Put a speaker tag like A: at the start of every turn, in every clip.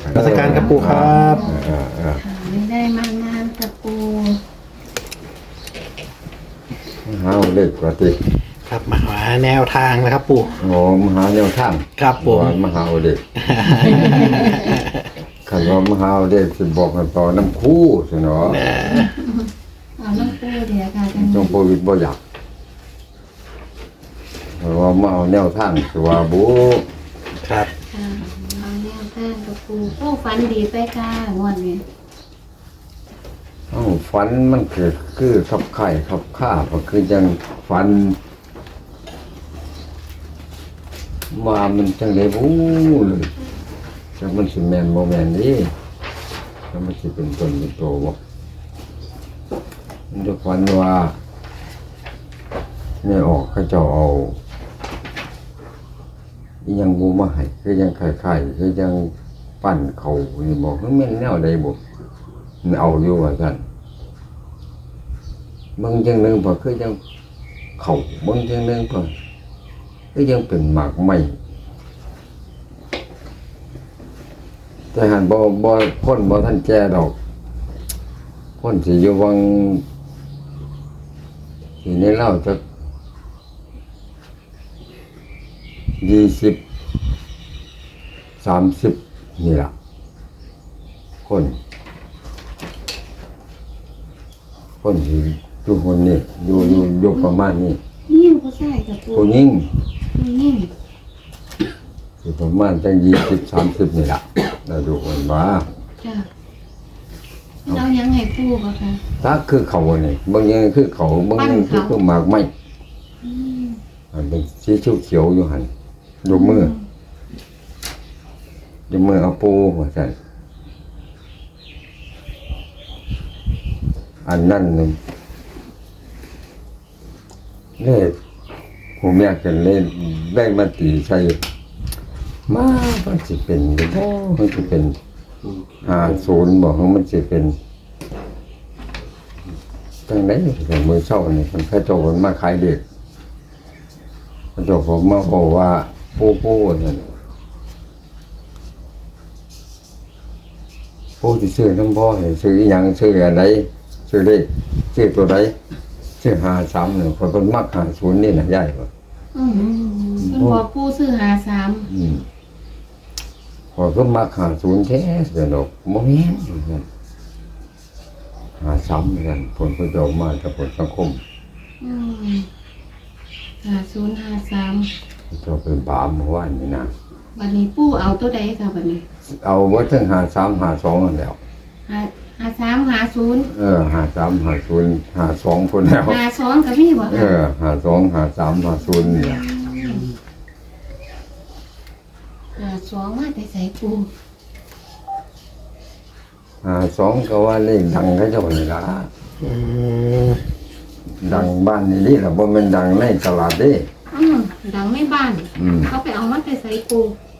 A: ราชการครับปู่ครับ
B: ไม่ได้มานานกับปู
C: หาเลขปกติ
A: ครับมาหาแนวทางนะครับปู่
C: โอ้มหาแนวทาง
A: ครับผม
C: ว่ามหาเด็กคันว่ามหาเด็กสิบอกกันต่อน้ำคู่สิเนาะ
B: เอาน้ำปูเดี๋ยวค่ะกัน
C: จงโควิดบ่อยากเพราะว่ามาเอาแนวทางสิว่าบุ
A: ครับ
B: ค่ะเอาแนวทางกับปูปูฟันดีไปค่ะงวดนี้
C: เอ้าฝันมันคือขับไข่ขับข้าก็คือจังฝันมามันจังเลยบู้เลยจังมันสิแม่นบ่แม่นนี่จังมันสิเป็นต้นเป็นโตบ่มันจะฝันว่าไม่ออกเขาเจ้าเอาอีหยังบูมาให้คือยังไข่คือยังปั้นเขานี่บอกมันแม่นแนวใดบ่มันเอาอยู่ว่าซั่นบางจังหนึงพอคือยังเขาบางจังหนึงพอคือยังเป็นหมากไม้แต่หันบ่คนบ่ทันแก่ดอกคนสิอยู่วังสิในเล่าจะ20-30นี่ล่ะคนสิอยู่คนนี้อยู่ประมาณนี้
B: ยิ่งผู้ชายกับปู
C: ผู้หญิง
B: ยิ่ง
C: สิประมาณจัง20-30นี่ล่ะเราดูกันว่า
B: จ้ะเรายังให้ปูป่ะคะ
C: ถ้าคือเขาเนี่ยบางอย่างคือเขาบางอย่างคือหมากไม้
B: อืม
C: มันเป็นสีเขียวๆอยู่หันยกมือเอาปูว่าซั่นอันนั้นนี่เลขผมอยากจะเล่นได้มาตีใส่มามันสิเป็นบ่มันสิเป็น50บ่มันสิเป็นจังได๋แต่มื้อเช้านี่มันเขาเจ้ามันมาขายเด็กเขาเจ้าผมมาบอกว่าปูนั่นปูสิซื้อน้ำบ่ให้ซื้ออีหยังซื้ออันใดซื้อเลขซื้อตัวใดซื้อ53นี่คนเพิ่นมัก50นี่น่ะยายว่า
B: เพิ่นบอกปูซื้อ53
C: พอก็มัก50แท้สนุกบ่แม่น53เหมือนกันผลประโยชน์มาจากผลสังคม
B: 5053
C: เจ้าเป็นบาปเมื่อวานนี่นะ
B: บัดนี้ปูเอาตัวใดค่ะบัดนี้
C: เอาไว้ถึง53 52นั่นแหล้ว
B: 5350
C: 53 50 52พุ่นแล้ว
B: 52ก็มีบ่คะ
C: 52 53 50นี่ล่ะ
B: 52มาแต่ไสปู
C: 52ก็ว่าเลขดังเขาเจ้านี่ล่ะ
A: อืม
C: ดังบ้านนี่ล่ะบ่แม่นดังในตลาดเด้
B: ดังในบ้าน เขาไปเอามาแต่ไสปู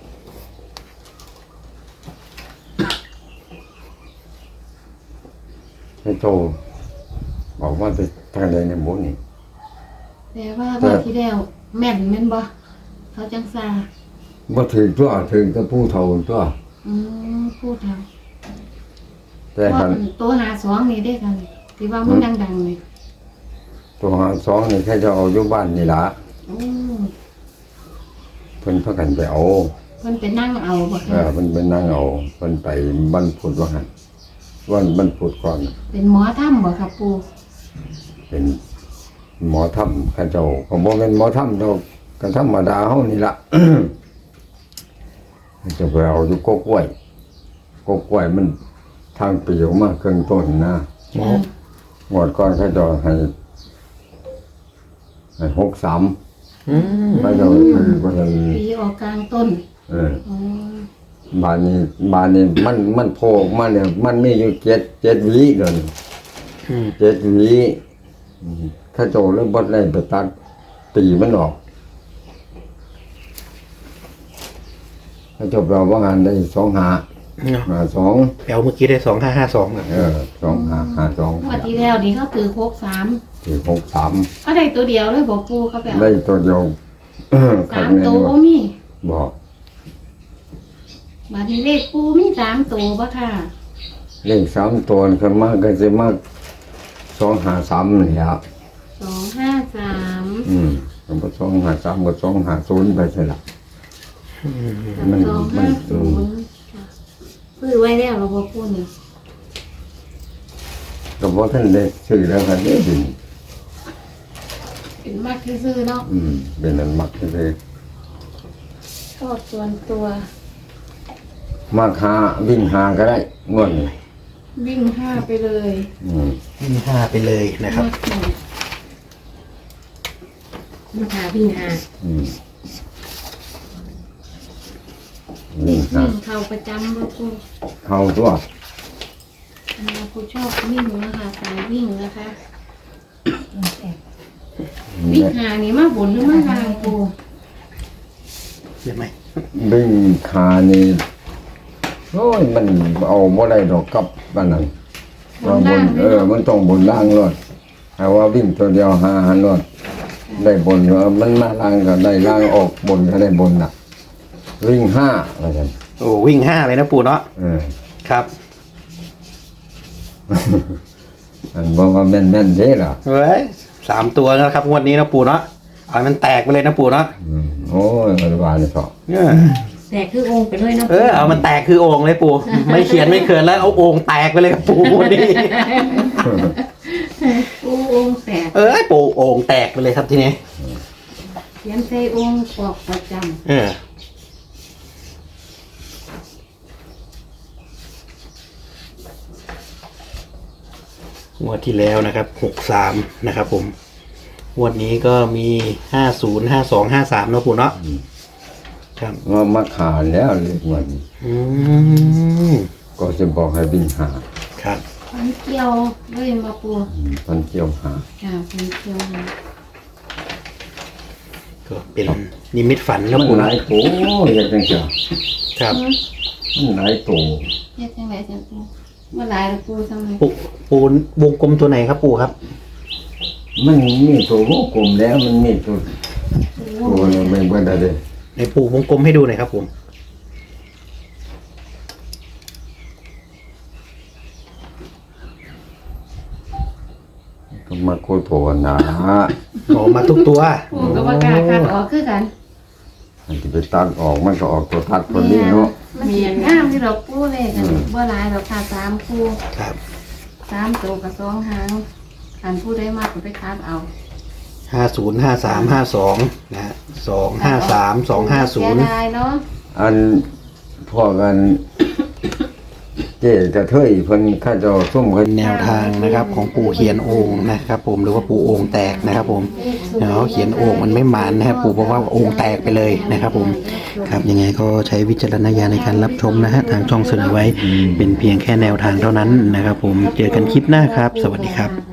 C: ให้โตบอกว่าจะทางใดในหมู่นี่
B: แต่ว่าเมื่อที่แล้วแม่นแม่นบ่เขาจังซา
C: บ่ถึงตัวถึงแต่ผู้เฒ่าตัว
B: พูดแล้ว
C: แต่หัน
B: ตัว52นี่ได้กันที่ว่ามันดังๆนี่
C: ตัว52นี่แค่จะเอาอยู่บ้านนี่ล่ะ
B: อือ
C: เพิ่นพากันไปเอา
B: เพิ่นไปนั่งเอาบ่
C: เพิ่นไปนั่งเอาเพิ่นไปบรรพุดว่าหั่นวันบรรพุดก่อน
B: เป็นหมอถ้ำบ่ครับปู
C: เป็นหมอถ้ำเขาเจ้าก็บ่แม่นหมอถ้ำดอกก็ธรรมดาเฮานี่ล่ะ จะไปเอาอยู่กกล้วยมันทางปีออกมาครึ่งต้นนะงวดก่อนเขาเจ้าให้63 เขาเจ้าคือบ่ทัน
B: ปีออกกลางต้น
C: เออ
B: อ๋อ
C: บ้านนี้มันโผล่ออกมาเนี่ยมันมีอยู่7หวีเดี๋ยวนี้7หวีข้าโจแล้วบ่ได้ไปตัดตีมันออกข้าโจเราว่างานได้2 2
A: แปลเมื่อกี้ได้2552อ่ะ
B: งวดที่แล้วนี่เขาถือ63
C: ที่63
B: เขาได้ตัวเดียวเลยบ่ปูเขาไปเอา
C: ได้ตัวเดียว
B: 3ตัวบ่มี
C: บอก
B: บัดนี้เลขปูมี3ตัวบ่ค่ะ
C: เลข3ตัวขึ้นมาก็สิมา253นี่ล่ะ
B: 253
C: ก็253ก็250ไปใช่ล่ะ มัน
B: 250ซื้อไว้แล้วเราบ่ปูนี่
C: ก็บ่ทันได้ซื้อแล้วครับนี่ดิ
B: เป็นมากซื่อๆเนาะ
C: เป็นอันมักเลย
B: ชอบส่วนตัว
C: มักหาวิ่งหาก็ได้งวดนี้
B: วิ่ง5ไปเลย
A: วิ่ง5ไปเลยนะครับ
B: มาหาวิ่ง5
C: วิ่งหา
B: วิ่งเข้าประจำบ่ปู
C: เข้าตัว
B: ปูชอบวิ่งนะคะสายวิ่งนะคะวิ่งหานี่มาบนหรือมาล่างปู
A: เห็นไหม
C: วิ่งขานี่โอ้ยมันเอาบ่ได้ดอกกับอันนั้นว่าบนมันต้องบนล่างรถแต่ว่าวิ่งตัวเดียวหาหันรถได้บนมันมาล่างก็ได้ล่างออกบนก็ได้บนน่ะ วิ่ง5ว่าซั่น
A: โอ้วิ่ง5เลยนะปู่เนาะครับ
C: อันบอกว่าแม่นเด้ล่ะ
A: เฮ้ย3ตัวนะครับงวดนี้นะปู่เนาะเอาให้มันแตกไปเลยนะปู่เนาะ
C: โอ้ยมันว่านี่เถาะ
B: แต่คือองค์ไปด้วยนะ
A: เอามันแตกคือโอ่งเลยปู่ไม่เขียนไม่เขินแล้วเอาโอ่งแตกไปเลยครับปู่งวดนี้
B: ปูองค์แตก
A: ปู่โอ่งแตกไปเลยครับทีนี้
B: เขียนใส่องค์ปอกประจ
A: งวดที่แล้วนะครับ63นะครับผมงวดนี้ก็มี50 52 53เนาะปู่เนาะครับ
C: ว่ามาขาแล้วเลขวัน ก็จะบอกให้วิ่งหา
A: ครับ
B: ำพันเกี่ยวเลยมาปู
C: พันเกี่ยวหา
B: ค่ะพันเกี่ยวมา
A: ก็เป็นนิมิตฝันนะ
C: มัน
A: ปู่
C: ห
A: เนาะ
C: ลายโตเฮ็ดจังซี่
A: ครับ
C: มันหลายโต
B: เฮ็ดจังไดจังปูเมื่อหลายแล้วปูทำไม
A: ปู่วงกลมตัวไหนครับปู่ครับ
C: มันมีตัววงกลมแล้วมันมีตัวนึงไม่เบิ่ได้เด้
A: ในปู่วงกลมให้ดูหน่อยครับผม
C: ก็มาโคโทนะ
A: ออกมาทุกตัว
B: ปูก็บ่กล้าคัดออกคือกัน
C: อันที่ไปตัดออกมันก็ออกตัวตัดตัวนี้เนาะ
B: มันสิงามที่เราปูเลยกันบ่หลายเราค่ะ3ปู
A: ครับ
B: 3ตัวกับ2หางอันผู้ได้มากก็ไปคัดเอา
A: 50 53 52นะฮะ253
B: เสีย
A: 250
B: ดายเนาะ
C: อันพวกกันเจ๊กระเทยเพิ่นข้าเจ้าซุ่มเพิ่น
A: แนวทางนะครับของปู่เขียนโอ่งนะครับผมหรือว่าปู่โอ่งแตกนะครับผมเขาเขียนโอ่งมันไม่หมานนะครับปู่บอกว่าโอ่งแตกไปเลยนะครับผมครับยังไงก็ใช้วิจารณญาณในการรับชมนะฮะทางช่องเสนอไว้เป็นเพียงแค่แนวทางเท่านั้นนะครับผมเจอกันคลิปหน้าครับ สวัสดีครับ